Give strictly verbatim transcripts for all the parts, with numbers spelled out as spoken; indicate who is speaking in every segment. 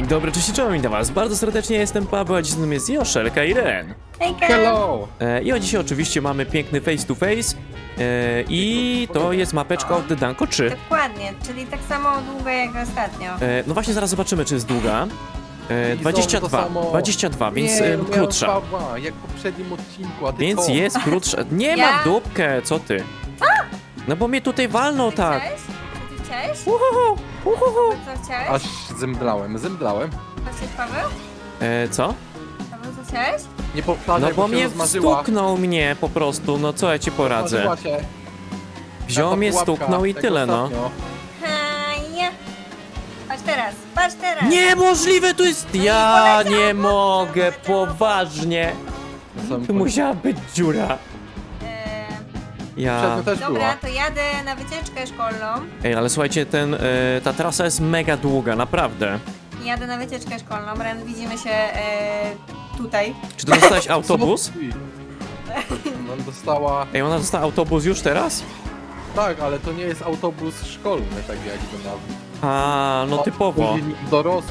Speaker 1: Dzień dobry, cześć, czołem, witam was bardzo serdecznie, jestem Paweł, a dziś z nami jest Joszelka i Ren.
Speaker 2: Hejka!
Speaker 3: Hello!
Speaker 1: E, I o dzisiaj oczywiście mamy piękny face to face e, i to jest mapeczka od Danko trzy.
Speaker 2: Dokładnie, czyli tak samo długo jak ostatnio.
Speaker 1: E, no właśnie zaraz zobaczymy, czy jest długa. E,
Speaker 3: I
Speaker 1: dwadzieścia
Speaker 3: znowu to
Speaker 1: dwa,
Speaker 3: samo.
Speaker 1: dwadzieścia dwa, więc
Speaker 3: Nie,
Speaker 1: e,
Speaker 3: no miałem
Speaker 1: krótsza.
Speaker 3: dwa, dwa, jak w poprzednim odcinku, a ty
Speaker 1: Więc
Speaker 3: co?
Speaker 1: jest krótsza. Nie
Speaker 2: Ja?
Speaker 1: ma w dupkę, co ty? No bo mnie tutaj walną
Speaker 2: Ty
Speaker 1: tak.
Speaker 2: chciałeś? Co ty chciałeś?
Speaker 1: Uhuhu, uhuhu.
Speaker 2: Co chciałeś?
Speaker 3: Aż zemdlałem, zemdlałem.
Speaker 2: Co chciałeś, Paweł?
Speaker 1: E, co?
Speaker 2: Paweł, co chciałeś?
Speaker 3: Nie powtarzaj,
Speaker 1: No bo
Speaker 3: się
Speaker 1: mnie
Speaker 3: rozmarzyła.
Speaker 1: stuknął mnie po prostu, no co ja ci poradzę?
Speaker 3: Rozmarzyła się.
Speaker 1: Wziął
Speaker 3: Taka
Speaker 1: mnie,
Speaker 3: pułapka,
Speaker 1: stuknął i
Speaker 3: jak
Speaker 1: tyle, no.
Speaker 3: ostatnio.
Speaker 2: Haja! Patrz teraz, patrz teraz!
Speaker 1: Niemożliwe to jest!
Speaker 2: No i
Speaker 1: Ja
Speaker 2: poleciało,
Speaker 1: nie mogę,
Speaker 2: poleciało.
Speaker 1: poważnie!
Speaker 3: Na samym
Speaker 1: Tu
Speaker 3: końcu.
Speaker 1: musiała być dziura.
Speaker 2: Eee,
Speaker 1: Ja...
Speaker 3: Przednio też
Speaker 2: dobra,
Speaker 3: była.
Speaker 2: to jadę na wycieczkę szkolną.
Speaker 1: Ej, ale słuchajcie, ten, e, ta trasa jest mega długa, naprawdę.
Speaker 2: Jadę na wycieczkę szkolną. Ren, widzimy się e, tutaj.
Speaker 1: Czy ty dostałeś autobus?
Speaker 3: Co ty? No dostała...
Speaker 1: Ej, ona dostała autobus już teraz?
Speaker 3: Tak, ale to nie jest autobus szkolny, tak jak to nazwę.
Speaker 1: A, no typowo.
Speaker 3: Dorosły.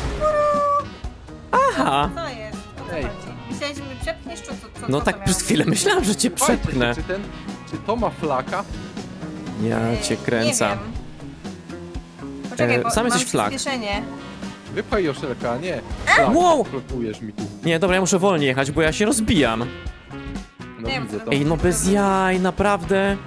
Speaker 1: Aha!
Speaker 2: Co jest? O co
Speaker 3: Ej.
Speaker 2: chodzi? Myślałeś, że mnie przepchniesz, czy co, co,
Speaker 1: No
Speaker 2: co
Speaker 1: tak
Speaker 2: to
Speaker 1: przez
Speaker 2: miało
Speaker 1: chwilę
Speaker 2: być?
Speaker 1: myślałem, że cię
Speaker 3: Słuchajcie,
Speaker 1: przepchnę.
Speaker 3: Czy, ten, czy to ma flaka?
Speaker 1: Ja
Speaker 2: Ej,
Speaker 1: cię kręcę.
Speaker 2: Nie wiem. Poczekaj,
Speaker 1: E,
Speaker 2: bo
Speaker 1: sam
Speaker 2: mam
Speaker 1: jesteś flag.
Speaker 2: przyspieszenie.
Speaker 3: Wypchaj Joszelka, nie. Flak,
Speaker 1: Wow!
Speaker 3: blokujesz mi tu.
Speaker 1: Nie, dobra, ja muszę wolniej jechać, bo ja się rozbijam.
Speaker 3: No
Speaker 2: Nie,
Speaker 3: widzę to.
Speaker 1: Ej, no bez jaj, naprawdę.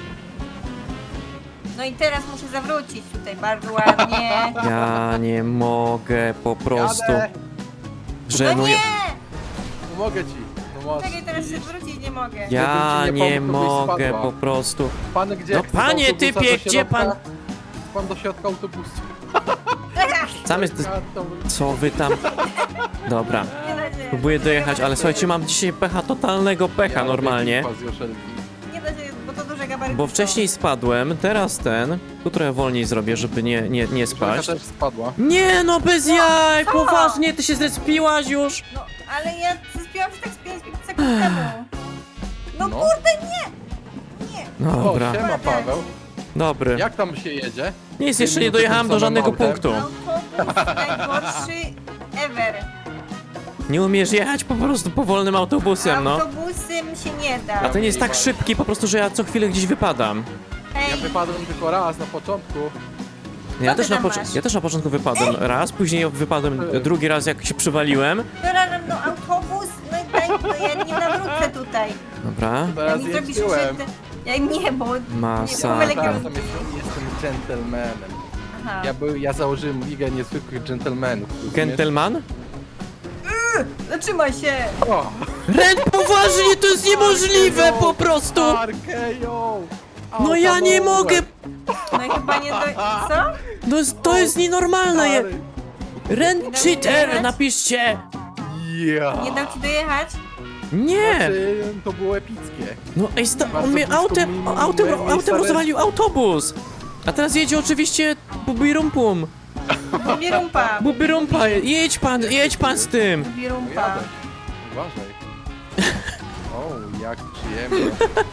Speaker 2: No i teraz muszę zawrócić tutaj bardzo ładnie.
Speaker 1: Ja nie mogę, po prostu.
Speaker 3: Jadę.
Speaker 2: No
Speaker 1: Żenuję.
Speaker 2: nie!
Speaker 3: Pomogę ci. No masz.
Speaker 2: Czekaj, teraz się zwrócić nie mogę.
Speaker 1: Ja
Speaker 3: Gdybym ci nie
Speaker 1: nie
Speaker 3: pomógł, to byś
Speaker 1: mogę
Speaker 3: spadła.
Speaker 1: po prostu.
Speaker 3: Pan gdzie?
Speaker 1: No
Speaker 3: Chce
Speaker 1: panie,
Speaker 3: do autobusa
Speaker 1: typie,
Speaker 3: do
Speaker 1: gdzie
Speaker 3: środka?
Speaker 1: pan-
Speaker 3: Pan do środka autobusu.
Speaker 1: Sam jest...
Speaker 3: Ja to-
Speaker 1: Co wy tam... Dobra,
Speaker 2: Nie da się.
Speaker 1: próbuję dojechać, ale słuchajcie, mam dzisiaj pecha, totalnego pecha
Speaker 3: Ja
Speaker 1: normalnie.
Speaker 3: robię klipa z Joszelki.
Speaker 2: Nie da się, bo to duże gabaryty
Speaker 1: Bo
Speaker 2: są.
Speaker 1: wcześniej spadłem, teraz ten. Tu trochę wolniej zrobię, żeby nie, nie, nie
Speaker 3: Joszelka
Speaker 1: spaść.
Speaker 3: też spadła.
Speaker 1: Nie no, bez jaj,
Speaker 2: co?
Speaker 1: poważnie, ty się zrespiłaś już?
Speaker 2: No, ale ja zbiłam się tak z pięć sekund temu. No,
Speaker 3: No.
Speaker 2: kurde, nie! Nie!
Speaker 3: O,
Speaker 1: Dobra,
Speaker 3: siema Paweł.
Speaker 1: dobry.
Speaker 3: Jak tam się jedzie?
Speaker 1: Nic, jeszcze nie
Speaker 3: Minuty
Speaker 1: dojechałem
Speaker 3: tym
Speaker 1: do
Speaker 3: samym
Speaker 1: żadnego
Speaker 3: autem?
Speaker 1: punktu.
Speaker 2: Autobus najgorszy ever.
Speaker 1: Nie umiesz jechać po prostu powolnym autobusem, no.
Speaker 2: Autobusem się nie da.
Speaker 1: A ten jest tak szybki po prostu, że ja co chwilę gdzieś wypadam.
Speaker 3: Ja
Speaker 2: Ej,
Speaker 3: wypadłem tylko raz na początku.
Speaker 1: Ja
Speaker 2: ty
Speaker 1: też, na
Speaker 2: tam
Speaker 1: pocz-
Speaker 2: masz?
Speaker 1: ja też na początku wypadłem raz, później wypadłem
Speaker 3: Ej.
Speaker 1: drugi raz, jak się przywaliłem.
Speaker 2: dobra, no autobus, no i daj, no ja nie nawrócę tutaj.
Speaker 1: Dobra.
Speaker 2: Ja
Speaker 3: Teraz
Speaker 2: mi zrobisz
Speaker 3: jeździłem.
Speaker 2: krzywdę. Ja nie, bo...
Speaker 1: Masa.
Speaker 2: Nie, pomylę
Speaker 3: Teraz
Speaker 2: kierunki.
Speaker 3: tam jestem, jestem gentlemanem.
Speaker 2: Aha.
Speaker 3: Ja, był, ja założyłem ligę niezwykłych gentlemanów. rozumiesz?
Speaker 1: Gentleman?
Speaker 2: Zatrzymaj się!
Speaker 3: O!
Speaker 1: Ren, poważnie, to jest niemożliwe po prostu!
Speaker 3: Arkejo!
Speaker 1: No ja nie mogę!
Speaker 2: No i chyba nie do... Co?
Speaker 1: No jest, to jest nienormalne! je- Ren
Speaker 2: Nie da mi
Speaker 1: cheater,
Speaker 2: dojechać?
Speaker 1: napiszcie!
Speaker 3: Ja!
Speaker 2: Nie dał ci dojechać?
Speaker 1: Nie!
Speaker 3: Znaczy, to było epickie.
Speaker 1: No ej, sta- on
Speaker 3: Bardzo
Speaker 1: mnie
Speaker 3: blisko
Speaker 1: autem,
Speaker 3: mi-
Speaker 1: autem,
Speaker 3: mi-
Speaker 1: autem
Speaker 3: miejsca
Speaker 1: rozwalił autobus! A teraz jedzie oczywiście bubirumpum.
Speaker 2: Birumpa.
Speaker 1: Bubirumpa, jedź pan, jedź pan z tym!
Speaker 3: No
Speaker 2: Birumpa.
Speaker 3: jadę. Uważaj. O, jak przyjemnie.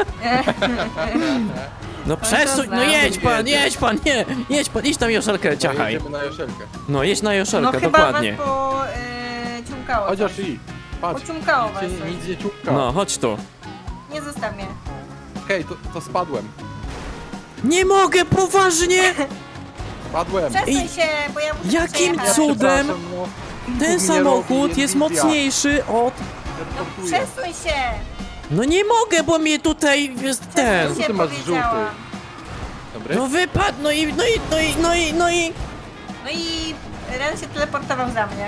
Speaker 1: No przesuń, no
Speaker 2: znam.
Speaker 1: jedź pan,
Speaker 3: Jedzie.
Speaker 1: jedź pan, nie, jedź pan, idź tam Joszelkę, ciachaj.
Speaker 3: Jedziemy na Joszelkę.
Speaker 1: No jedź na
Speaker 2: No
Speaker 1: Joszelkę,
Speaker 2: chyba
Speaker 1: dokładnie.
Speaker 2: was po... Yy, ciumkało.
Speaker 3: Chociaż
Speaker 2: coś.
Speaker 3: i. Patrz.
Speaker 2: Pociumkało was.
Speaker 3: Nic, nie- nic nie ciupka.
Speaker 1: No, chodź tu.
Speaker 2: Nie zostaw mnie.
Speaker 3: Okej, to, to spadłem.
Speaker 1: Nie mogę, poważnie!
Speaker 3: Spadłem.
Speaker 2: Przesuń
Speaker 1: Ej,
Speaker 2: się, bo ja muszę
Speaker 1: jakim
Speaker 2: przejechać.
Speaker 1: cudem?
Speaker 3: Przepraszam, no.
Speaker 1: Ten
Speaker 3: Nie
Speaker 1: samochód
Speaker 3: robi,
Speaker 1: jest
Speaker 3: jest wizja.
Speaker 1: mocniejszy od...
Speaker 3: Ja
Speaker 2: No
Speaker 3: żartuję.
Speaker 2: przesuń się!
Speaker 1: No nie mogę, bo mnie tutaj jest ten.
Speaker 2: Przesuń się,
Speaker 3: Ty masz
Speaker 2: powiedziałam.
Speaker 3: żółty. Dobry?
Speaker 1: No wypadł, no i, no i, no i, no i, no i...
Speaker 2: No i Ren się teleportował za mnie.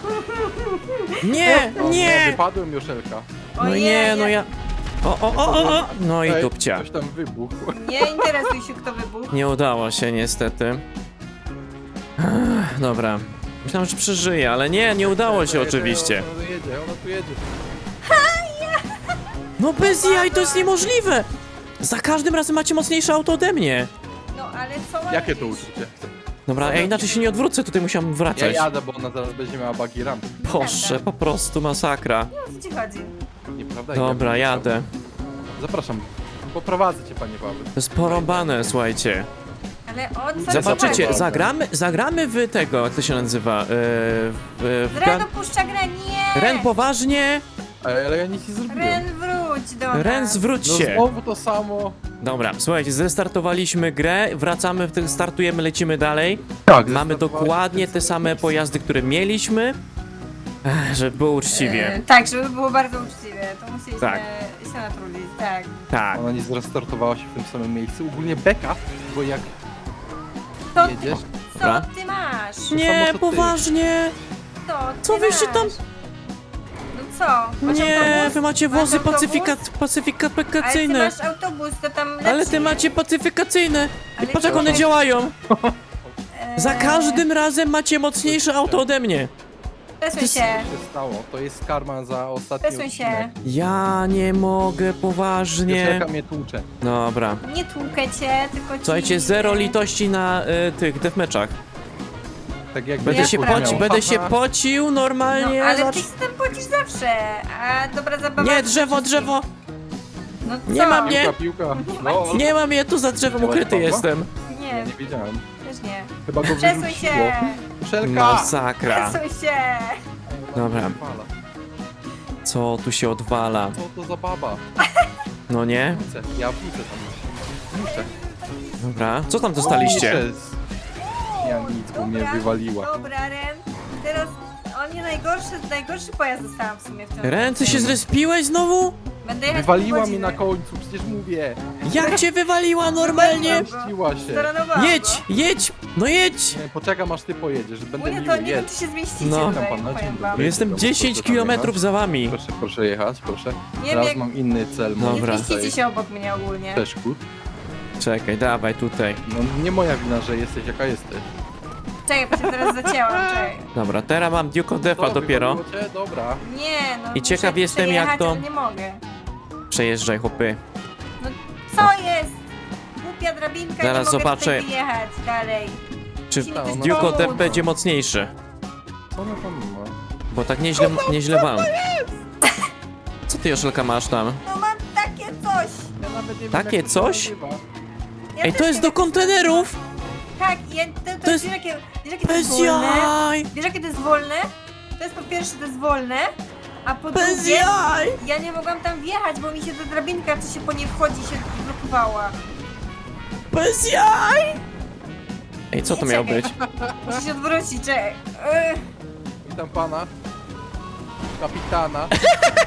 Speaker 1: Nie,
Speaker 3: O,
Speaker 1: nie!
Speaker 3: Wypadłem Joszelka.
Speaker 1: No
Speaker 2: Ojej,
Speaker 1: nie, no ja... O, o, o, o, o! No i
Speaker 3: Ej,
Speaker 1: dupcia.
Speaker 3: Ktoś tam wybuchł.
Speaker 2: Nie interesuj się, kto wybuchł.
Speaker 1: Nie udało się niestety. Ech, dobra. Myślałem, że przeżyję, ale nie, nie udało się
Speaker 3: Jedzie,
Speaker 1: oczywiście.
Speaker 3: Ona tu jedzie, ona tu jedzie.
Speaker 1: No bez jaj, to jest niemożliwe! Za każdym razem macie mocniejsze auto ode mnie.
Speaker 2: No ale co mam
Speaker 3: Jakie to
Speaker 2: robić?
Speaker 3: uczucie?
Speaker 1: Dobra, ja inaczej się nie odwrócę, tutaj musiałem
Speaker 3: Ja
Speaker 1: wracać.
Speaker 3: jadę, bo ona zaraz będzie miała buggy ramp.
Speaker 1: Boże, po prostu masakra.
Speaker 2: O co ci chodzi?
Speaker 3: Nieprawda?
Speaker 1: Dobra,
Speaker 3: Ja
Speaker 1: jadę.
Speaker 3: bym- Zapraszam. Poprowadzę cię, panie Paweł.
Speaker 1: To jest porąbane, słuchajcie.
Speaker 2: Ale Ale o co
Speaker 1: Zobaczycie,
Speaker 2: chodzi?
Speaker 1: zagramy, zagramy w tego, jak to się nazywa? Yy, w, w,
Speaker 2: Ren
Speaker 1: ga-
Speaker 2: opuszcza grę, nie!
Speaker 1: Ren, poważnie?
Speaker 3: Ej, ale ja nic nie zrobiłem.
Speaker 2: Ren, wróć do nas.
Speaker 1: Ren, zwróć
Speaker 3: No
Speaker 1: się.
Speaker 3: znowu to samo.
Speaker 1: Dobra, słuchajcie, zrestartowaliśmy grę, wracamy, w tym startujemy, lecimy dalej.
Speaker 3: Tak,
Speaker 1: Mamy dokładnie te same pojazdy, które mieliśmy. Ech, żeby było uczciwie.
Speaker 2: E, tak, żeby było bardzo uczciwe. To musieliśmy
Speaker 1: Tak.
Speaker 2: się natrudzić, tak.
Speaker 1: Tak.
Speaker 3: Ona nie zrestartowała się w tym samym miejscu. Ogólnie beka, bo jak
Speaker 2: To ty,
Speaker 3: jedziesz...
Speaker 2: co
Speaker 1: Dobra.
Speaker 2: ty masz?
Speaker 3: samo
Speaker 1: Nie,
Speaker 3: co ty.
Speaker 1: poważnie.
Speaker 2: To ty
Speaker 1: Co wyście tam-
Speaker 2: masz? No co? Masz
Speaker 1: Nie,
Speaker 2: autobus?
Speaker 1: wy macie
Speaker 2: Masz
Speaker 1: wozy
Speaker 2: autobus?
Speaker 1: pacyfikat,
Speaker 2: Ale ty
Speaker 1: pacyfikacyjne.
Speaker 2: masz autobus, to tam leci.
Speaker 1: Ale ty macie pacyfikacyjne. I
Speaker 2: Ale
Speaker 1: patrz jak one
Speaker 2: czekaj.
Speaker 1: działają.
Speaker 2: Eee,
Speaker 1: Za każdym razem macie mocniejsze auto ode mnie.
Speaker 2: Przesuń
Speaker 1: ty-
Speaker 2: się.
Speaker 3: Co się stało? To jest karma za ostatni
Speaker 2: Przesuń się.
Speaker 3: odcinek.
Speaker 1: Ja nie mogę, poważnie.
Speaker 3: Joszelka mnie tłucze.
Speaker 1: Dobra.
Speaker 2: Nie tłukę cię, tylko ci...
Speaker 1: Słuchajcie, zero litości na y, tych deathmatchach.
Speaker 3: Tak jakby
Speaker 1: Będę
Speaker 2: Ja
Speaker 1: się,
Speaker 2: prawie.
Speaker 1: poci będę się pocił
Speaker 2: No,
Speaker 1: normalnie.
Speaker 2: ale
Speaker 1: zacz-
Speaker 2: ty się tam pocisz zawsze. A dobra zabawa...
Speaker 1: Nie, drzewo, drzewo.
Speaker 2: No co?
Speaker 1: Nie ma mnie.
Speaker 3: Piłka, piłka. No,
Speaker 1: Nie mam je, tu za drzewem
Speaker 3: Miałeś
Speaker 1: ukryty
Speaker 3: Pawła?
Speaker 1: jestem.
Speaker 2: Nie,
Speaker 3: nie wiedziałem.
Speaker 2: też nie.
Speaker 3: Chyba go
Speaker 2: Przesuń
Speaker 3: wyrzuciło.
Speaker 2: się.
Speaker 3: Joszelka!
Speaker 1: Masakra.
Speaker 2: Przesuń się.
Speaker 1: Dobra.
Speaker 3: Fala.
Speaker 1: Co tu się odwala?
Speaker 3: Co to za baba?
Speaker 1: No nie?
Speaker 3: Wrócę, ja wrócę tam. Muszę.
Speaker 1: Dobra. Co tam dostaliście?
Speaker 3: Muszę z- Ja nic, bo mnie
Speaker 2: Dobra,
Speaker 3: wywaliła.
Speaker 2: Dobra, Ren. Teraz on nie najgorszy, najgorszy pojazd dostałam w sumie w tym
Speaker 1: Ren, ty się zrespiłeś znowu?
Speaker 2: Będę jechać
Speaker 3: Wywaliła
Speaker 2: pół
Speaker 3: mnie na
Speaker 2: godziny.
Speaker 3: końcu, przecież mówię.
Speaker 1: Jak cię wywaliła normalnie?
Speaker 3: Puściła się.
Speaker 2: Staranowałam
Speaker 1: Jedź, jedź, no jedź!
Speaker 3: Nie, poczekam aż ty pojedziesz, będę
Speaker 2: Mówię,
Speaker 3: miły,
Speaker 2: to nie wiem,
Speaker 3: jedź.
Speaker 2: czy się zmieścicie
Speaker 1: No.
Speaker 2: tutaj,
Speaker 3: Pan na dzień
Speaker 2: powiem
Speaker 3: dobry.
Speaker 2: wam.
Speaker 1: Jestem
Speaker 3: Proszę
Speaker 1: dziesięć
Speaker 3: tam
Speaker 1: kilometrów
Speaker 3: jechać.
Speaker 1: za wami.
Speaker 3: Proszę, proszę jechać, proszę.
Speaker 2: Nie
Speaker 3: Teraz
Speaker 2: wiem,
Speaker 3: mam inny cel.
Speaker 1: No.
Speaker 3: Mam
Speaker 1: Dobra.
Speaker 2: nie zmieścicie się obok mnie ogólnie.
Speaker 3: przeszkód.
Speaker 1: Czekaj, dawaj tutaj.
Speaker 3: No nie moja wina, że jesteś jaka jesteś.
Speaker 2: Czekaj, bo się teraz zacięłam, czekaj.
Speaker 1: Dobra, teraz mam Duke Defa
Speaker 3: Co,
Speaker 1: dopiero.
Speaker 3: wywaliło cię? Dobra.
Speaker 2: Nie, no
Speaker 1: I ciekaw
Speaker 2: muszę
Speaker 1: jestem, jak
Speaker 2: przejechać,
Speaker 1: to-
Speaker 2: ale nie mogę.
Speaker 1: Przejeżdżaj, chłopy.
Speaker 2: No co jest? Głupia drabinka,
Speaker 1: Zaraz
Speaker 2: nie mogę
Speaker 1: zobaczę.
Speaker 2: tutaj wyjechać dalej.
Speaker 1: Czy
Speaker 2: Musimy
Speaker 3: ona-
Speaker 2: coś
Speaker 1: Duke
Speaker 2: pomóc.
Speaker 1: Def będzie mocniejszy?
Speaker 3: Co ona tam ma?
Speaker 1: Bo tak nieźle, nieźle wam. Co ty, Joszelka, masz tam?
Speaker 2: No mam takie coś.
Speaker 3: Ja nawet nie wiem,
Speaker 1: Takie
Speaker 3: jak to się
Speaker 1: coś?
Speaker 3: nazywa.
Speaker 2: Ja
Speaker 1: Ej,
Speaker 2: też
Speaker 1: to jest
Speaker 2: nie
Speaker 1: do
Speaker 2: wiem,
Speaker 1: kontenerów!
Speaker 2: Tak, ja, to, to,
Speaker 1: To jest-
Speaker 2: wiesz, jakie, wiesz jakie to jest
Speaker 1: Bez
Speaker 2: wolne?
Speaker 1: jaj!
Speaker 2: Wiesz jakie to jest wolne? To jest po pierwsze to jest wolne, a po
Speaker 1: Bez
Speaker 2: drugie
Speaker 1: jaj!
Speaker 2: ja nie mogłam tam wjechać, bo mi się ta drabinka, co się po niej wchodzi, się blokowała.
Speaker 1: Bez jaj! Ej, co to
Speaker 2: Nie,
Speaker 1: miało
Speaker 2: czekaj.
Speaker 1: być?
Speaker 2: Muszę się odwrócić, czekaj. Ech.
Speaker 3: Witam pana. Kapitana.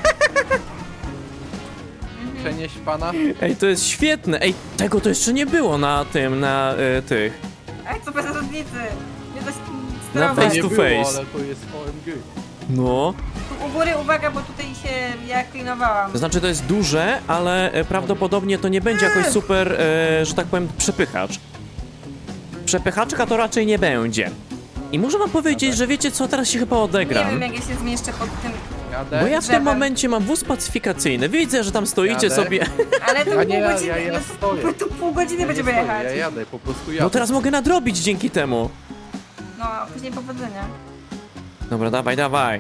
Speaker 3: Przenieść pana.
Speaker 1: Ej, to jest świetne! Ej, tego to jeszcze nie było na tym, na y, tych.
Speaker 2: Ej, co bez różnicy. Nie da się
Speaker 1: Na
Speaker 2: sterować.
Speaker 1: face
Speaker 3: nie
Speaker 1: to
Speaker 3: było,
Speaker 1: face.
Speaker 3: ale to jest O M G.
Speaker 1: No.
Speaker 2: Tu u góry uwaga, bo tutaj się ja klinowałam.
Speaker 1: To znaczy, to jest duże, ale e, prawdopodobnie to nie będzie jakoś super, e, że tak powiem, przepychacz. Przepychaczka to raczej nie będzie. I muszę wam powiedzieć, że wiecie co, teraz się chyba
Speaker 2: Nie
Speaker 1: odegram.
Speaker 2: wiem jak ja się zmieszczę pod tym,
Speaker 3: Jadę.
Speaker 1: Bo ja w tym
Speaker 2: drzewem.
Speaker 1: momencie mam wóz pacyfikacyjny. Widzę, że tam stoicie
Speaker 3: Jadę.
Speaker 1: sobie.
Speaker 2: ale to
Speaker 3: Ja
Speaker 2: pół
Speaker 3: nie, ja-
Speaker 2: godziny,
Speaker 3: ja- ja
Speaker 2: no,
Speaker 3: stoję.
Speaker 2: to- tu pół godziny
Speaker 3: Ja
Speaker 2: będziemy
Speaker 3: nie stoję,
Speaker 2: jechać.
Speaker 3: Ja jadę, po prostu jadę.
Speaker 1: No teraz mogę nadrobić dzięki temu.
Speaker 2: No, a później powodzenia.
Speaker 1: Dobra, dawaj, dawaj.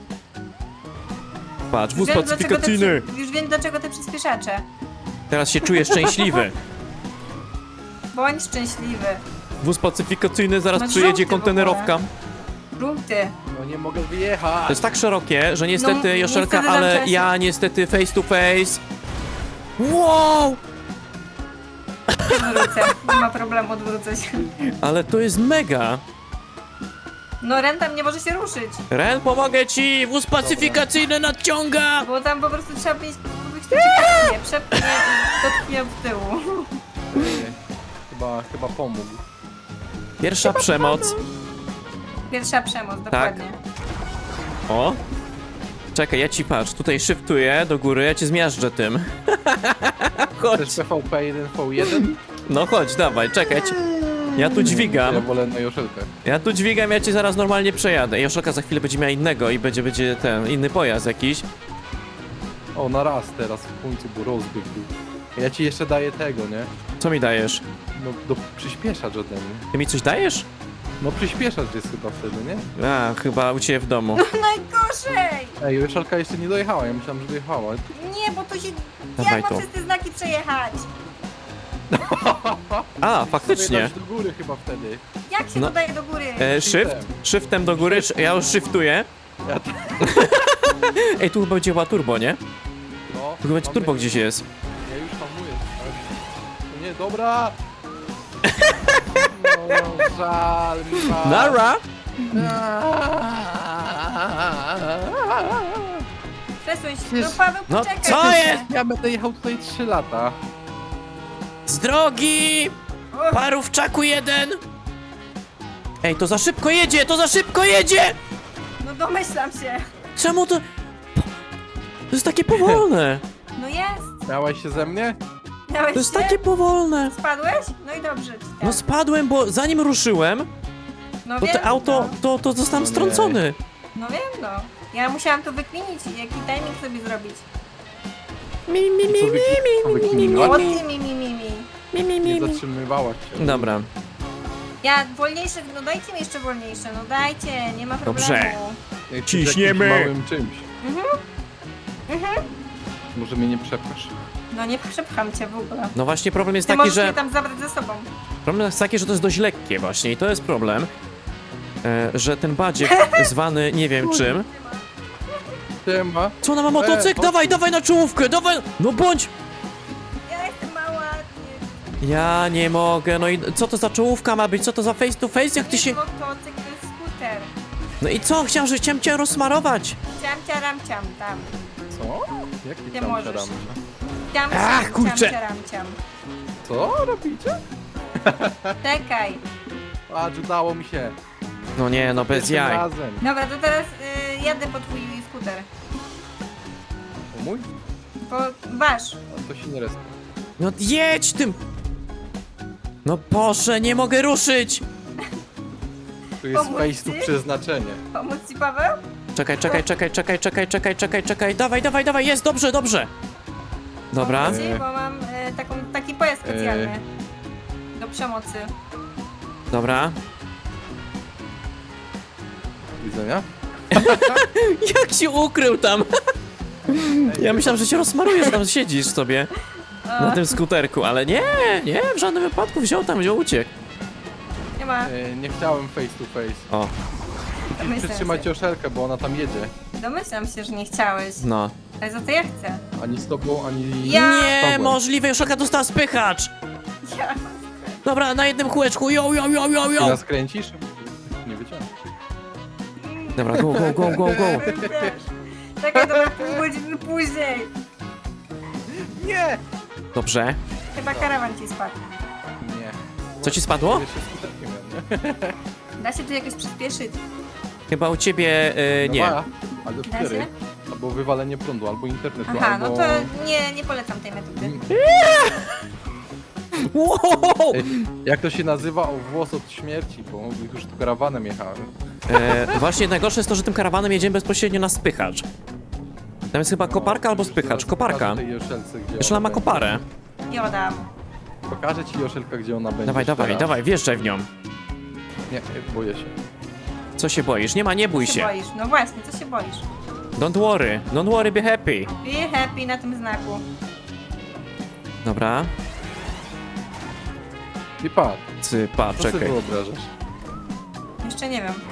Speaker 1: Patrz, wóz
Speaker 2: Wiem, dlaczego te
Speaker 1: pacyfikacyjny.
Speaker 2: przy- Już wiem dlaczego te przyspieszacze.
Speaker 1: Teraz się czuję szczęśliwy.
Speaker 2: Bądź szczęśliwy.
Speaker 1: Wóz pacyfikacyjny, zaraz
Speaker 2: Masz
Speaker 1: przyjedzie
Speaker 2: żółty w ogóle.
Speaker 1: kontenerowka.
Speaker 2: Punkty.
Speaker 3: No nie mogę wyjechać.
Speaker 1: To jest tak szerokie, że niestety,
Speaker 2: No,
Speaker 1: Joszelka,
Speaker 2: niestety
Speaker 1: ale
Speaker 2: zamknęła się.
Speaker 1: ja niestety face to face. Wow!
Speaker 2: Odwrócę. Nie ma problemu, odwrócę się.
Speaker 1: Ale to jest mega.
Speaker 2: No Ren tam nie może się ruszyć.
Speaker 1: Ren, pomogę ci! Wóz pacyfikacyjny nadciąga!
Speaker 2: Bo tam po prostu trzeba mieć kogoś, kto cię przepchnie, przepchnie i dotknie w tyłu.
Speaker 3: Ojej. Chyba, chyba pomógł.
Speaker 1: Pierwsza przemoc.
Speaker 2: Pierwsza przemoc, dokładnie.
Speaker 1: O! Czekaj, ja ci patrz, tutaj shiftuję do góry, ja cię zmiażdżę tym. Chodź,
Speaker 3: Chcesz P V P jeden V jeden?
Speaker 1: no chodź, dawaj, czekaj. Ja, ci... ja tu
Speaker 3: Ja
Speaker 1: dźwigam,
Speaker 3: wolę na Joszelkę.
Speaker 1: ja tu dźwigam, ja cię zaraz normalnie przejadę. Joszelka za chwilę będzie miała innego i będzie, będzie ten, inny pojazd jakiś.
Speaker 3: O, na raz teraz w końcu, bo rozbieg był. Ja ci jeszcze daję tego, nie?
Speaker 1: Co mi dajesz?
Speaker 3: No, do przyspieszacz ode mnie.
Speaker 1: Ty mi coś dajesz?
Speaker 3: No przyspieszacz jest chyba wtedy, nie?
Speaker 1: A, chyba u ciebie w domu.
Speaker 2: No najgorzej!
Speaker 3: Ej, Joszelka jeszcze nie dojechała, ja myślałem, że dojechała.
Speaker 2: Nie, bo tu się...
Speaker 1: Dawaj
Speaker 2: Jak
Speaker 1: to.
Speaker 2: mam przez te znaki przejechać?
Speaker 1: A, faktycznie.
Speaker 3: Dać do góry chyba wtedy.
Speaker 2: Jak się
Speaker 1: No.
Speaker 2: dodaje do góry?
Speaker 1: E, shift? Shiftem do góry, sz- ja już shiftuję.
Speaker 3: Ja t-
Speaker 1: Ej, tu chyba działa turbo, nie?
Speaker 3: no,
Speaker 1: Tu chyba
Speaker 3: mamy-
Speaker 1: turbo gdzieś jest.
Speaker 3: Ja już hamuję. To nie, dobra. No, żal mi was.
Speaker 1: Nara!
Speaker 2: Przesuń się. No Paweł,
Speaker 1: No,
Speaker 2: poczekaj.
Speaker 1: co
Speaker 2: trochę.
Speaker 1: jest?
Speaker 3: Ja będę jechał tutaj trzy lata.
Speaker 1: Z drogi!
Speaker 2: O,
Speaker 1: Parówczaku jeden! Ej, to za szybko jedzie, to za szybko jedzie!
Speaker 2: No domyślam się.
Speaker 1: Czemu to... To jest takie powolne.
Speaker 2: No jest.
Speaker 3: Miałeś się ze mnie?
Speaker 2: Miałeś
Speaker 1: To jest
Speaker 2: się?
Speaker 1: takie powolne.
Speaker 2: Spadłeś? No i dobrze ci tak.
Speaker 1: No spadłem, bo zanim ruszyłem,
Speaker 2: no
Speaker 1: to
Speaker 2: wiem,
Speaker 1: te auto,
Speaker 2: No,
Speaker 1: to, to zostałem
Speaker 3: No nie.
Speaker 1: strącony.
Speaker 2: no wiem, no. Ja musiałam to wykminić i jaki timing sobie zrobić.
Speaker 1: Mi, mi, mi,
Speaker 3: Co
Speaker 1: mi,
Speaker 3: wy- co
Speaker 1: mi, mi, mi,
Speaker 3: wykminiłaś?
Speaker 2: O
Speaker 1: mi,
Speaker 2: ty mi, mi, mi, mi.
Speaker 1: mi, mi, mi,
Speaker 3: Nie
Speaker 1: mi.
Speaker 3: zatrzymywałaś się.
Speaker 1: Dobra.
Speaker 2: Ja wolniejsze, no dajcie mi jeszcze wolniejsze, no dajcie, nie ma problemu.
Speaker 1: Dobrze.
Speaker 3: Jak
Speaker 1: Ciśniemy.
Speaker 3: jakimś małym czymś.
Speaker 2: Mhm. Mhm.
Speaker 3: Może mnie nie przepchasz.
Speaker 2: No nie przepcham cię w ogóle.
Speaker 1: No właśnie problem jest
Speaker 2: Ty
Speaker 1: taki,
Speaker 2: możesz
Speaker 1: że...
Speaker 2: mnie tam zabrać ze sobą.
Speaker 1: Problem jest taki, że to jest dość lekkie właśnie i to jest problem. E, że ten badziek zwany nie wiem czym.
Speaker 3: Siema.
Speaker 1: Co ona ma motocykl?
Speaker 3: chodź
Speaker 1: Dawaj,
Speaker 3: tu.
Speaker 1: dawaj na czołówkę, dawaj! No bądź!
Speaker 2: Ja jestem mała. Nie,
Speaker 1: Ja nie mogę, no i co to za czołówka ma być? Co to za face to face? Jak ty
Speaker 2: jest
Speaker 1: się...
Speaker 2: motocykl, to jest skuter.
Speaker 1: No i co? Chciałem, że chciałem cię rozsmarować.
Speaker 2: Ciam, ciaram, ciam, tam.
Speaker 3: Co? Jaki
Speaker 2: Ty
Speaker 3: tam
Speaker 2: możesz.
Speaker 3: siadamy?
Speaker 2: Ciam,
Speaker 1: Ach,
Speaker 2: ciam,
Speaker 1: kurczę.
Speaker 2: ciam, ciaram, ciam.
Speaker 3: Co robicie?
Speaker 2: Czekaj.
Speaker 3: Patrz, udało mi się.
Speaker 1: No nie, no bez
Speaker 3: Pierwszym
Speaker 1: jaj.
Speaker 3: razem.
Speaker 2: Dobra, to teraz y, jadę po twój skuter.
Speaker 3: O mój?
Speaker 2: Po wasz.
Speaker 3: To się nie respi.
Speaker 1: No jedź tym! No Boże, nie mogę ruszyć!
Speaker 3: Tu jest
Speaker 2: Pomóc
Speaker 3: face to
Speaker 2: ci?
Speaker 3: przeznaczenie.
Speaker 2: Pomóc ci, Paweł?
Speaker 1: Czekaj, czekaj, czekaj, czekaj, czekaj, czekaj, czekaj, czekaj, dawaj, dawaj, dawaj, jest, dobrze, dobrze! Dobra,
Speaker 2: Pomóc ci,
Speaker 3: E.
Speaker 2: bo mam y, taką, taki pojazd specjalny. Do przemocy.
Speaker 1: dobra.
Speaker 3: Widzenia?
Speaker 1: Jak się ukrył tam? Ja myślałem, że cię rozsmaruję, że tam siedzisz sobie na tym skuterku, ale nie, nie, w żadnym wypadku wziął tam, wziął, uciekł.
Speaker 2: Nie ma.
Speaker 3: E, nie chciałem face to face.
Speaker 1: O,
Speaker 2: Domyślam
Speaker 3: Przytrzymać
Speaker 2: się.
Speaker 3: Joszelkę, bo ona tam jedzie.
Speaker 2: Domyślam się, że nie chciałeś.
Speaker 1: no.
Speaker 2: Ale za to ja chcę.
Speaker 3: Ani z tobą, ani
Speaker 2: Ja-
Speaker 3: z
Speaker 1: Nie,
Speaker 3: tobą.
Speaker 1: możliwe, Joszelka dostała spychacz!
Speaker 2: Ja.
Speaker 1: Dobra, na jednym kółeczku, yo, yo, yo, yo,
Speaker 3: Ty
Speaker 1: yo!
Speaker 3: nas kręcisz? Nie wyciągnę.
Speaker 1: Dobra, go, go, go, go, go!
Speaker 2: Czekaj, to na pół godziny później.
Speaker 3: Nie!
Speaker 1: Dobrze.
Speaker 2: Chyba karawan ci spadł.
Speaker 3: Nie.
Speaker 1: Co ci spadło?
Speaker 3: Jeszcze skuterkiem miałem, nie?
Speaker 2: Da się tu jakoś przyspieszyć.
Speaker 1: Chyba u ciebie, y, nie.
Speaker 3: Dobra, albo
Speaker 2: Da
Speaker 3: cztery.
Speaker 2: się?
Speaker 3: Albo wywalenie prądu, albo internetu,
Speaker 2: Aha,
Speaker 3: albo...
Speaker 2: no to nie, nie polecam tej metody.
Speaker 1: Wow!
Speaker 3: Ej, jak to się nazywa? O włos od śmierci, bo już tu karawanem jechałem.
Speaker 1: E, właśnie najgorsze jest to, że tym karawanem jedziemy bezpośrednio na spychacz. Tam jest chyba koparka albo spychacz.
Speaker 3: Zaraz
Speaker 1: Koparka.
Speaker 3: pokażę tej Joszelce, gdzie
Speaker 1: Jeszcze ona ma
Speaker 3: będzie.
Speaker 1: koparę.
Speaker 2: Nie oddam.
Speaker 3: Pokażę ci Joszelka, gdzie ona będzie.
Speaker 1: Dawaj, dawaj,
Speaker 3: teraz.
Speaker 1: dawaj, wjeżdżaj w nią.
Speaker 3: Nie, boję się.
Speaker 1: Co się boisz? Nie ma, nie bój
Speaker 2: Co
Speaker 1: się.
Speaker 2: się boisz? No właśnie, co się boisz?
Speaker 1: Don't worry, don't worry, be happy.
Speaker 2: Be happy na tym znaku.
Speaker 1: Dobra,
Speaker 3: I patrz,
Speaker 1: cypa,
Speaker 3: co sobie
Speaker 1: czekaj.
Speaker 3: wyobrażasz?
Speaker 2: Jeszcze nie wiem.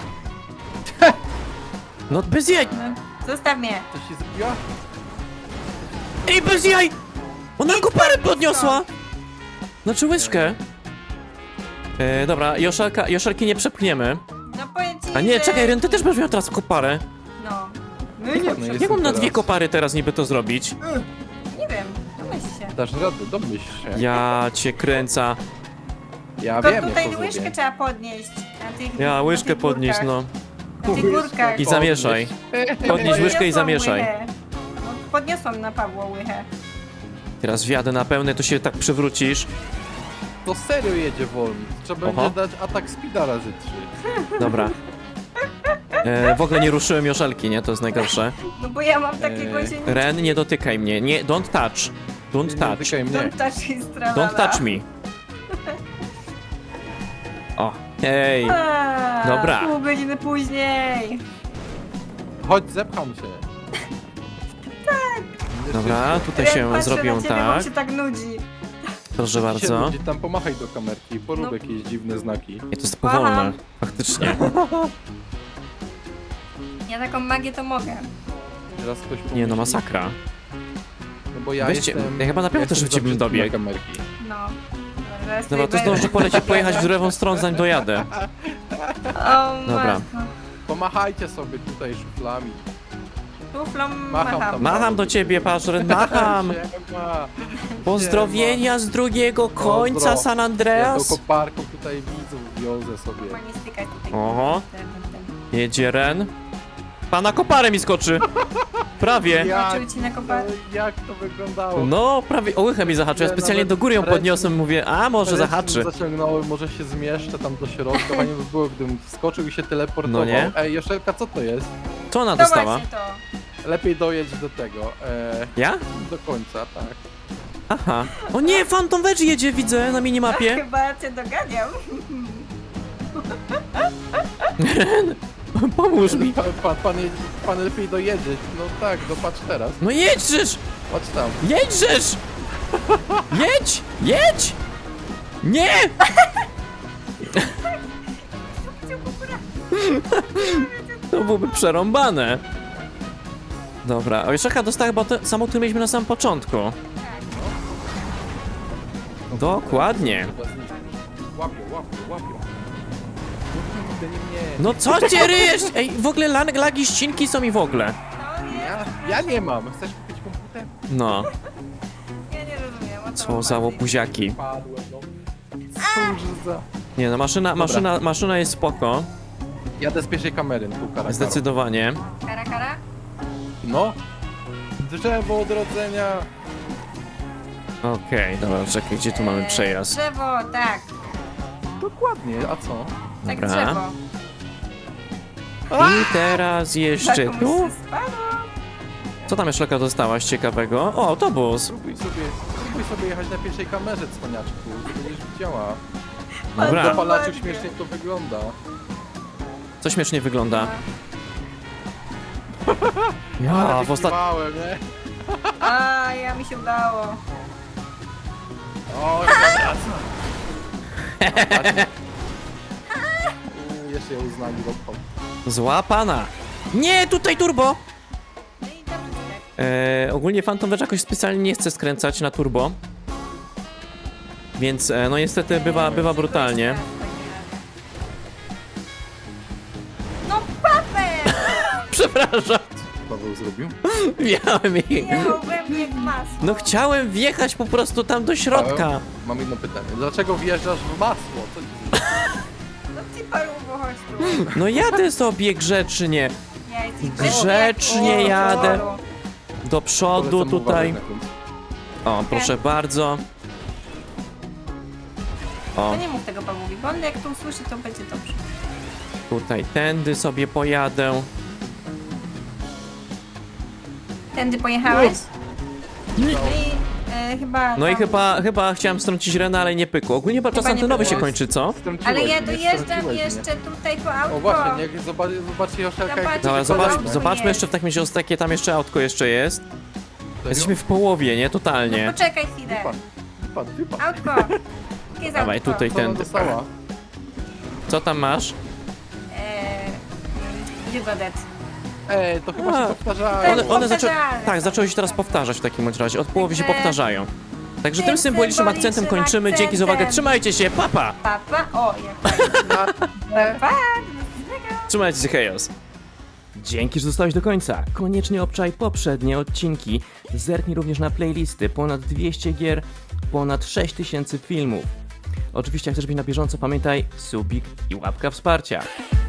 Speaker 1: No bez jaj!
Speaker 2: No, zostaw mnie.
Speaker 3: Coś się zrobiła?
Speaker 1: Ej, bez jaj! Ona koparę podniosła! Znaczy łyżkę. E, dobra, Joszelka, Joszelki nie przepchniemy.
Speaker 2: No powiem ci,
Speaker 1: A nie,
Speaker 2: że...
Speaker 1: czekaj, Ren, ty też będziesz miał teraz koparę.
Speaker 2: No. No
Speaker 3: No
Speaker 2: i nie,
Speaker 3: jest-
Speaker 2: nie,
Speaker 1: Jak mam na
Speaker 3: teraz.
Speaker 1: dwie kopary teraz niby to zrobić?
Speaker 2: nie wiem. Domyśl się.
Speaker 3: Dasz radę, domyśl się.
Speaker 1: Ja cię kręca.
Speaker 3: Ja
Speaker 2: To
Speaker 3: wiem,
Speaker 2: tutaj
Speaker 3: jak to
Speaker 2: łyżkę
Speaker 3: zrobię.
Speaker 2: trzeba podnieść. Na tych,
Speaker 1: Ja
Speaker 2: na
Speaker 1: łyżkę
Speaker 2: tych
Speaker 1: podnieść,
Speaker 2: górkach.
Speaker 1: no.
Speaker 2: Na tych górkach.
Speaker 1: I zamieszaj. Podnieś łyżkę i
Speaker 2: Podniosłam
Speaker 1: zamieszaj.
Speaker 2: łychę. No, podniosłam na Pawła łychę.
Speaker 1: Teraz wjadę na pełny, to się tak przewrócisz.
Speaker 3: To serio jedzie wolno. Trzeba
Speaker 1: Oho.
Speaker 3: będzie dać atak speeda razy trzy.
Speaker 1: Dobra. E, w ogóle nie ruszyłem Joszelki, nie? To jest najgorsze.
Speaker 2: No bo ja mam takiego
Speaker 3: Eee,
Speaker 2: się nie...
Speaker 1: Ren, nie dotykaj mnie. Nie, don't touch. Don't
Speaker 3: Nie
Speaker 1: touch.
Speaker 3: dotykaj mnie.
Speaker 2: Don't touch his tralala.
Speaker 1: Don't touch me. O, hej.
Speaker 2: A,
Speaker 1: Dobra.
Speaker 2: Pół godziny później.
Speaker 3: Chodź, zepcham cię.
Speaker 2: Tak.
Speaker 3: Będziesz
Speaker 1: Dobra,
Speaker 3: szybko.
Speaker 1: tutaj
Speaker 2: Ren,
Speaker 1: się
Speaker 2: patrzę
Speaker 1: zrobią
Speaker 2: na ciebie, bo mi
Speaker 1: tak.
Speaker 2: się tak nudzi.
Speaker 1: Proszę bardzo.
Speaker 3: Ludzie tam pomachaj do kamerki i porób
Speaker 2: No.
Speaker 3: jakieś dziwne znaki.
Speaker 1: Nie, to jest powolne. Faktycznie.
Speaker 2: Ja taką magię to mogę.
Speaker 3: Teraz ktoś
Speaker 1: Nie no,
Speaker 3: pomyśli,
Speaker 1: masakra.
Speaker 3: No bo ja
Speaker 1: Weźcie-
Speaker 3: jestem...
Speaker 1: ja chyba naprawdę
Speaker 3: jestem
Speaker 1: szybciej bym
Speaker 3: za brzydki na
Speaker 1: dobiegł.
Speaker 3: kamerki.
Speaker 2: No. Zaraz
Speaker 1: Dobra, to
Speaker 2: tutaj
Speaker 1: zdążę
Speaker 2: będę.
Speaker 1: polecieć, pojechać w lewą stronę, zanim dojadę.
Speaker 2: O,
Speaker 1: Dobra.
Speaker 2: matko.
Speaker 3: Pomachajcie sobie tutaj szuflami.
Speaker 2: Tuflą
Speaker 3: Macham
Speaker 2: macham.
Speaker 3: tam.
Speaker 1: Macham do ciebie, Paszren, macham!
Speaker 3: Siema.
Speaker 1: Pozdrowienia z drugiego końca
Speaker 3: Pozdro.
Speaker 1: San
Speaker 3: Ja tą
Speaker 1: Andreas.
Speaker 3: koparką tutaj widzów wiozę sobie.
Speaker 2: Ma nie stykać tutaj.
Speaker 1: Oho.
Speaker 2: Ten, ten, ten.
Speaker 1: Jedzie Ren. Pana koparę mi skoczy. Prawie.
Speaker 2: Zobaczył ci na kopa-
Speaker 3: no, jak to wyglądało?
Speaker 1: No, prawie o łychę mi zahaczył. Ja
Speaker 3: Nie,
Speaker 1: specjalnie
Speaker 3: nawet
Speaker 1: do góry ją
Speaker 3: ręce-
Speaker 1: podniosłem, mówię, a może
Speaker 3: Ręce
Speaker 1: zahaczy.
Speaker 3: Zaciągnąłem, może się zmieszczę tam do środka, fajnie by było, gdybym wskoczył i się teleportował.
Speaker 1: No nie?
Speaker 3: Ej, Joszelka, co to jest?
Speaker 1: Co ona
Speaker 2: To
Speaker 1: dostała?
Speaker 2: właśnie to.
Speaker 3: Lepiej dojedź do tego, e,
Speaker 1: Ja?
Speaker 3: do końca, tak.
Speaker 1: Aha. O nie, Phantom Wedge jedzie, widzę na minimapie.
Speaker 2: Chyba cię doganiam.
Speaker 1: Pomóż mi.
Speaker 3: Pan, pan, pan, jedź- pan lepiej dojedzie. No tak, dopatrz teraz.
Speaker 1: No jedźesz!
Speaker 3: Patrz tam.
Speaker 1: Jedźesz! Jedź! Jedź! Nie! To byłoby przerąbane. Dobra, o Jeszaka dostała chyba to samo, które mieliśmy na samym początku. Dokładnie.
Speaker 3: Chyba zniknie. Łapią, łapią, łapią. Nie, nie, nie.
Speaker 1: No co cię ryjesz? Ej, w ogóle lag- lagi ścinki są i w ogóle.
Speaker 2: No nie,
Speaker 3: Ja, ja nie mam. Chcesz kupić komputer?
Speaker 1: No,
Speaker 2: ja nie rozumiem. o
Speaker 1: co za
Speaker 2: chodzi.
Speaker 1: łobuziaki.
Speaker 3: Padłem, no. Cóż za...
Speaker 1: Nie no, maszyna,
Speaker 3: Dobra.
Speaker 1: maszyna, maszyna jest spoko.
Speaker 3: Jadę z pierwszej kamery, tu kara,
Speaker 1: Zdecydowanie.
Speaker 2: Kara, kara?
Speaker 3: No. Drzewo odrodzenia.
Speaker 1: Okej, dobra, czekaj, gdzie tu mamy
Speaker 2: Eee,
Speaker 1: przejazd?
Speaker 2: Drzewo, tak.
Speaker 3: Dokładnie, a co?
Speaker 2: Tak
Speaker 1: Dobra.
Speaker 2: drzewo.
Speaker 1: I teraz jeszcze
Speaker 2: Tak, komuś
Speaker 1: tu.
Speaker 2: się spadło.
Speaker 1: Co tam jeszcze dostałaś ciekawego? O, autobus.
Speaker 3: Spróbuj sobie, spróbuj sobie jechać na pierwszej kamerze, cwaniaczku. To będziesz widziała.
Speaker 1: Dobra.
Speaker 3: W dopalaczu
Speaker 2: Dokładnie.
Speaker 3: śmiesznie to wygląda.
Speaker 1: Co śmiesznie wygląda.
Speaker 3: Ale
Speaker 1: Ja, w ostat...
Speaker 3: wykiwałem, nie?
Speaker 2: A, ja mi się udało.
Speaker 3: O, ja wracam. Uuu, jeszcze ją uznali dopał.
Speaker 1: Złapana. Nie, tutaj turbo!
Speaker 2: No i dobrze, tak.
Speaker 1: E, ogólnie Phantom Wedge jakoś specjalnie nie chce skręcać na turbo. Więc e, no niestety bywa, bywa brutalnie.
Speaker 2: No Paweł!
Speaker 1: Przepraszam.
Speaker 3: Paweł zrobił?
Speaker 1: Miałem ich.
Speaker 2: Jechał we mnie w masło.
Speaker 1: No chciałem wjechać po prostu tam do środka.
Speaker 3: Paweł, mam jedno pytanie. Dlaczego wjeżdżasz w masło? Co ci
Speaker 2: No ci parubo, chodź tu.
Speaker 1: No jadę sobie grzecznie.
Speaker 2: Ja jesteś
Speaker 1: Grzecznie
Speaker 2: grzeczny.
Speaker 1: jadę.
Speaker 2: O,
Speaker 1: Do przodu
Speaker 3: Polecam
Speaker 1: tutaj.
Speaker 3: uważać na końcu.
Speaker 1: O, proszę bardzo. O,
Speaker 2: To nie mów tego Pawłowi, bo on jak to usłyszy, to będzie dobrze.
Speaker 1: tutaj tędy sobie pojadę.
Speaker 2: Tędy pojechałeś? No i e, chyba...
Speaker 1: No i
Speaker 2: tam-
Speaker 1: chyba, chyba chciałem strącić Renę, ale nie pykło. Ogólnie chyba czas
Speaker 2: Chyba nie
Speaker 1: antenowy się
Speaker 2: pykło.
Speaker 1: kończy, co?
Speaker 3: Strąciłeś
Speaker 2: Ale ja
Speaker 3: mnie,
Speaker 2: dojeżdżam
Speaker 3: strąciłeś mnie.
Speaker 2: jeszcze tutaj po autko.
Speaker 3: O właśnie, niech zobacz, zobaczcie Joszelka, jak
Speaker 2: Zobacz.
Speaker 1: Dobra,
Speaker 2: to
Speaker 1: zobacz,
Speaker 2: autko
Speaker 1: zobaczmy
Speaker 2: jest.
Speaker 1: jeszcze w takim razie, jakie tam jeszcze autko jeszcze jest.
Speaker 3: Serio?
Speaker 1: Jesteśmy w połowie, nie? Totalnie.
Speaker 2: No poczekaj chwilę.
Speaker 3: Wypadł, wypadł, wypadł.
Speaker 2: Autko. Gdzie jest
Speaker 1: Dawaj,
Speaker 2: autko?
Speaker 1: tutaj
Speaker 3: Co ona
Speaker 1: tędy.
Speaker 3: dostała?
Speaker 1: Co tam masz?
Speaker 2: Eee, gdzie Godet?
Speaker 3: Ej, to chyba
Speaker 1: A,
Speaker 3: się powtarzają.
Speaker 1: One, one zaczę...
Speaker 2: powtarzalne
Speaker 1: Tak,
Speaker 2: są.
Speaker 1: zaczęły się teraz powtarzać w takim bądź razie. Od połowy się
Speaker 2: Także-
Speaker 1: powtarzają. Także tym
Speaker 2: tym
Speaker 1: symbolicznym akcentem
Speaker 2: symbolicznym
Speaker 1: kończymy. Dzięki za uwagę.
Speaker 2: akcentem.
Speaker 1: Trzymajcie się, papa!
Speaker 2: Papa? O, jak fajnie.
Speaker 3: Na-
Speaker 2: Pa, do następnego.
Speaker 1: Trzymajcie się, hejos! Dzięki, że zostałeś do końca. Koniecznie obczaj poprzednie odcinki. Zerknij również na playlisty. Ponad dwieście gier, ponad sześć tysięcy filmów. Oczywiście, jak chcesz być na bieżąco, pamiętaj subik i łapka wsparcia.